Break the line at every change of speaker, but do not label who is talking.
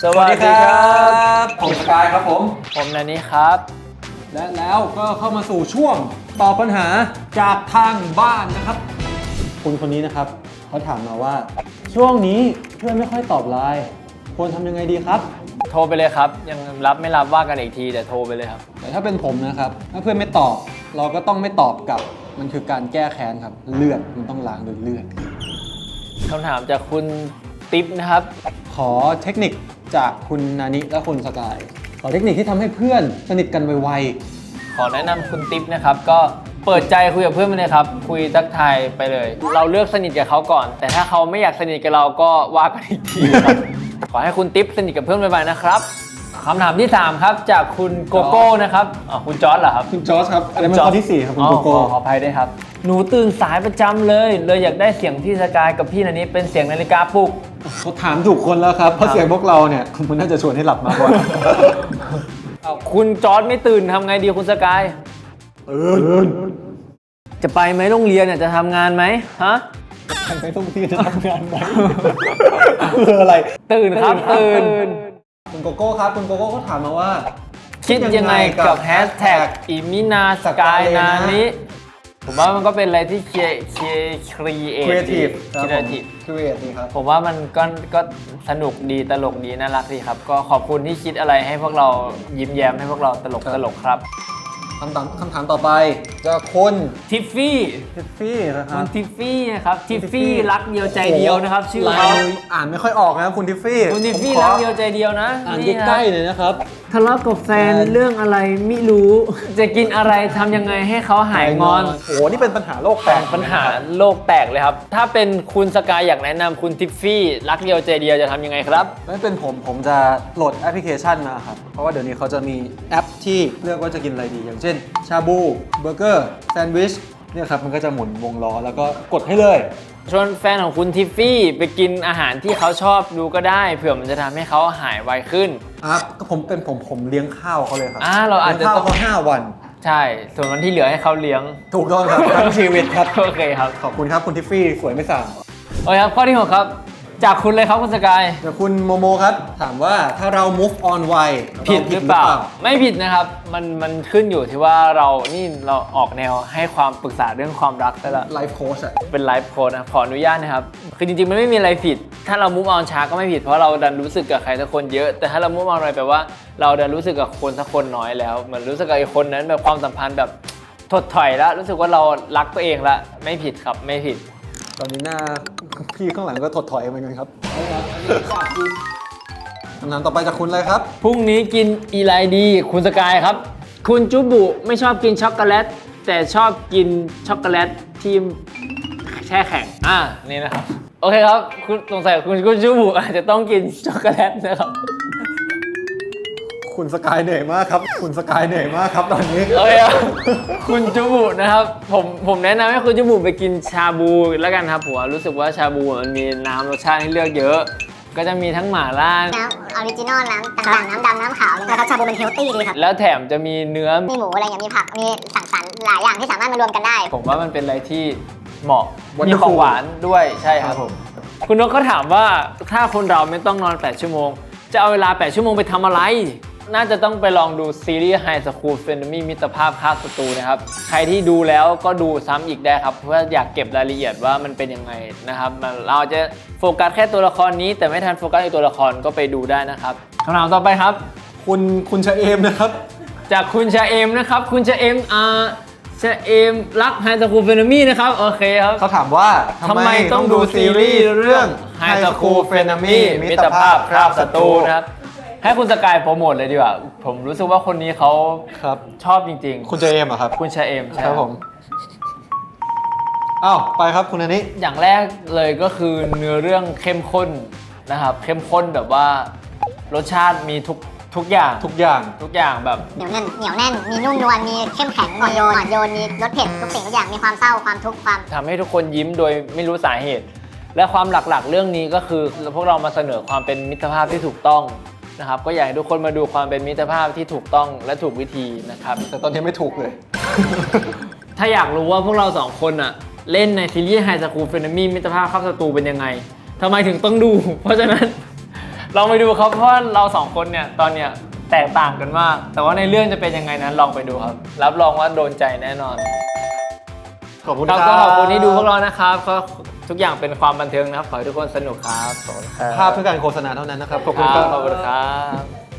สวัสดีครับผมสกายครับผม
นันนี่ครับ
และแล้วก็เข้ามาสู่ช่วงตอบปัญหาจากทางบ้านนะครับคุณคนนี้นะครับเขาถามมาว่าช่วงนี้เพื่อนไม่ค่อยตอบไลน์ควรทำยังไงดีครับ
โทรไปเลยครับยังรับไม่รับว่ากันอีกทีแต่โทรไปเลยครับ
แต่ถ้าเป็นผมนะครับถ้าเพื่อนไม่ตอบเราก็ต้องไม่ตอบกลับมันคือการแก้แค้นครับเลือดมันต้องล้างด้วยเลือด
คำถามจากคุณติ๊บนะครับ
ขอเทคนิคจากคุณนานิและคุณสกายขอเทคนิคที่ทำให้เพื่อนสนิทกันไว
ขอแนะนำคุณติ๊บนะครับก็เปิดใจคุยกับเพื่อนไปเลยครับคุยทักทายไปเลยเราเลือกสนิทกับเขาก่อนแต่ถ้าเขาไม่อยากสนิทกับเราก็ว่ากันอีกทีครับขอให้คุณติ๊บสนิทกับเพื่อนไวๆนะครับคำถามที่3ครับจากคุณโกโก้นะครับคุณจอร์จเหรอครับ
คุณจอร์จครับอันนี้เป็นข้อที่4ครับคุณโกโก้
ขออภัยด้วยครับหนูตื่นสายประจำเลยอยากได้เสียงพี่สกายกับพี่นันนี้เป็นเสียงนาฬิกาปลุก
เขาถามถูกคนแล้วครับเพราะเสียงพวกเราเนี่ยมันน่าจะชวนให้หลับมากกว่า
คุณจอร์จไม่ตื่นทำไงดีคุณสกายจะไปไหมโรงเรียนเนี่ยจะทำงานไหมฮะ
ไปโรงเรียนจะทำงานไหมคืออะไร
ตื่นครับตื่น
คุณโกโก้ครับคุณโกโก้เขาถามมาว่า
คิดยังไงกับแฮชแท็กอิมินาสกายนานี้ผมว่ามันก็เป็นอะไรที่ครีเอทีฟ
ดีครับ
ผมว่ามันก็สนุกดีตลกดีน่ารักดีครับก็ขอบคุณที่คิดอะไรให้พวกเรายิ้มแย้มให้พวกเราตลกครับ
คำถามต่อไปจะคุณ
ทิฟฟี่
นะครับ
คุณทิฟฟี่นะครับทิฟฟี่รักเดียวใจเดียวนะครับชื่อเขา
อ่านไม่ค่อยออกนะคุณทิฟฟี่
รักเดียวใจเดียวนะ
อ่านใกล้ๆเลยนะครับ
ทะเลาะกับแฟนเรื่องอะไรไม่รู้จะกินอะไรทำยังไงให้เขาหายงอน
โอ้นี่เป็นปัญหาโลกแตก
ปัญหาโลกแตกเลยครับถ้าเป็นคุณสกายอยากแนะนำคุณทิฟฟี่รักเดียวใจเดียวจะทำยังไงครับ
ไม่เป็นผมจะโหลดแอปพลิเคชันมาครับเพราะว่าเดี๋ยวนี้เขาจะมีแอปที่เลือกว่าจะกินอะไรดีอย่างเช่นชาบูเบอร์เกอร์แซนด์วิชเนี่ยครับมันก็จะหมุนวงล้อแล้วก็กดให้เลย
ชวนแฟนของคุณทิฟฟี่ไปกินอาหารที่เขาชอบดูก็ได้เผื่อมันจะทำให้เขาหายไวขึ้น
ก็ผมเลี้ยงข้าวเขาเลยครับ
เราอาจจะ
ต้องข้าวเขา5 วัน
ใช่ส่วนวันที่เหลือให้เขาเลี้ยง
ถูกต้องครับทั้งชีวิตครับ
โอเคครับ
ขอบคุณครับคุณทิฟฟี่สวยไม่สั่ง
โอเคครับข้อที่6ครับจากคุณเลยครับคุณสกาย
จากคุณโมโมครับถามว่าถ้าเรา move on ไว
ผิดหรือเปล่าไม่ผิดนะครับมันขึ้นอยู่ที่ว่าเราออกแนวให้ความปรึกษาเรื่องความรักแต่ละ
ไลฟ์โค้ช
เป็นไลฟ์โค้ชนะขออนุญาตนะครับคือจริงๆมันไม่มีอะไรผิดถ้าเรา move on ช้าก็ไม่ผิดเพราะเราดันรู้สึกกับใครสักคนเยอะแต่ถ้าเรา move on ไวแปลว่าเราดันรู้สึกกับคนสักคนน้อยแล้วเหมือนรู้สึกกับไอ้คนนั้นแบบความสัมพันธ์แบบถดถอยแล้วรู้สึกว่าเรารักตัวเองละไม่ผิดครับไม่ผิด
ตอนนี้หน้าพี่ข้างหลังก็ถดถอยเหมือนกันครับคำถามต่อไปจากคุณเลยครับ
พรุ่งนี้กินอีไลดีคุณสกายครับคุณจุบุไม่ชอบกินช็อกโกแลตแต่ชอบกินช็อกโกแลตที่แช่แข็งนี่นะครับโอเคครับคุณสงสัยคุณจุบุอาจจะต้องกินช็อกโกแลตนะครับ
คุณสกายเหนื่อยมากครับคุณสกายเหนื่อยมากครับตอนนี้
โอเคครับคุณจุบุนะครับผมแนะนำให้คุณจุบุไปกินชาบูแล้วกันครับผมรู้สึกว่าชาบูมันมีน้ำรสชาติให้เลือกเยอะก็จะมีทั้งหม่าล่า
น้ำออริจินอลน้ำต่างๆน้ำดำน้ำขาวเลยนะครับชาบูมันเฮลตี้ดีครับ
แล้วแถมจะมีเนื้อ
มีหมูอะไรอย่างมีผักมีสังสรรค์หลายอย่างที่สามารถมารวมกันได้
ผมว่ามันเป็นอะไรที่เหมาะมีของหวานด้วยใช่ครับผมคุณนกเขาถามว่าถ้าคนเราไม่ต้องนอน8 ชั่วโมงจะเอาเวลา8 ชั่วโมงไปทำอะไรน่าจะต้องไปลองดูซีรีส์ High School Frenemy มิตรภาพฆ่าศัตรูนะครับใครที่ดูแล้วก็ดูซ้ำอีกได้ครับเพราะว่าอยากเก็บรายละเอียดว่ามันเป็นยังไงนะครับเราจะโฟกัสแค่ตัวละครนี้แต่ไม่ทันโฟกัสในตัวละครก็ไปดูได้นะครับคำถามต่อไปครับ
คุณชะเอมนะครับ
จากคุณชะเอมนะครับคุณชะเอมชะเอมรัก High School Frenemy นะครับโอเคครับ
เขาถามว่า
ทำไมต้องดูซีรีส์เรื่อง High School Frenemy มิตรภาพฆ่าศัตรูนะครับให้คุณสกายโปรโมทเลยดีกว่าผมรู้สึกว่าคนนี้เขาชอบจริง
ๆคุณชะเอมครับ
คุณชะเอม
ครับผมไปครับคุณอันนี้
อย่างแรกเลยก็คือเนื้อเรื่องเข้มข้นนะครับเข้มข้นแบบว่ารสชาติมีทุกอย่างแบบ
เหนียวแน่นมีนุ่มนวลมีเข้มแข็งอ่อนโยนมีรสเผ็ดทุกสิ่งทุกอย่างมีความเศร้าความทุกข์ความ
ทำให้ทุกคนยิ้มโดยไม่รู้สาเหตุและความหลักๆเรื่องนี้ก็คือพวกเรามาเสนอความเป็นมิตรภาพที่ถูกต้องนะครับก็อยากให้ทุกคนมาดูความเป็นมิตรภาพที่ถูกต้องและถูกวิธีนะครับ
แต่ตอนนี้ไม่ถูกเลย
ถ้าอยากรู้ว่าพวกเรา2 คนเล่นในซีรีส์ High School Frenemy มิตรภาพฆ่าศัตรูเป็นยังไงทำไมถึงต้องดูเพราะฉะนั้นลองไปดูครับเพราะว่าเราสองคนเนี่ยตอนเนี้ยแตกต่างกันมาก แต่ว่าในเรื่องจะเป็นยังไงนั้นลองไปดูครับรับรองว่าโดนใจแน่นอน
ขอบคุณ
ค
ค
รั
รั
บบ ก็ขอบคุณที่ดูพวกเรานะครับก็ทุกอย่างเป็นความบันเทิงนะครับขอให้ทุกคนสนุกครับขอบคุณครับ
ภาพเพื่อการโฆษณาเท่านั้นนะครับ ขอบคุณ
ค
ค
รั
รั
บบ ขอบคุณครับ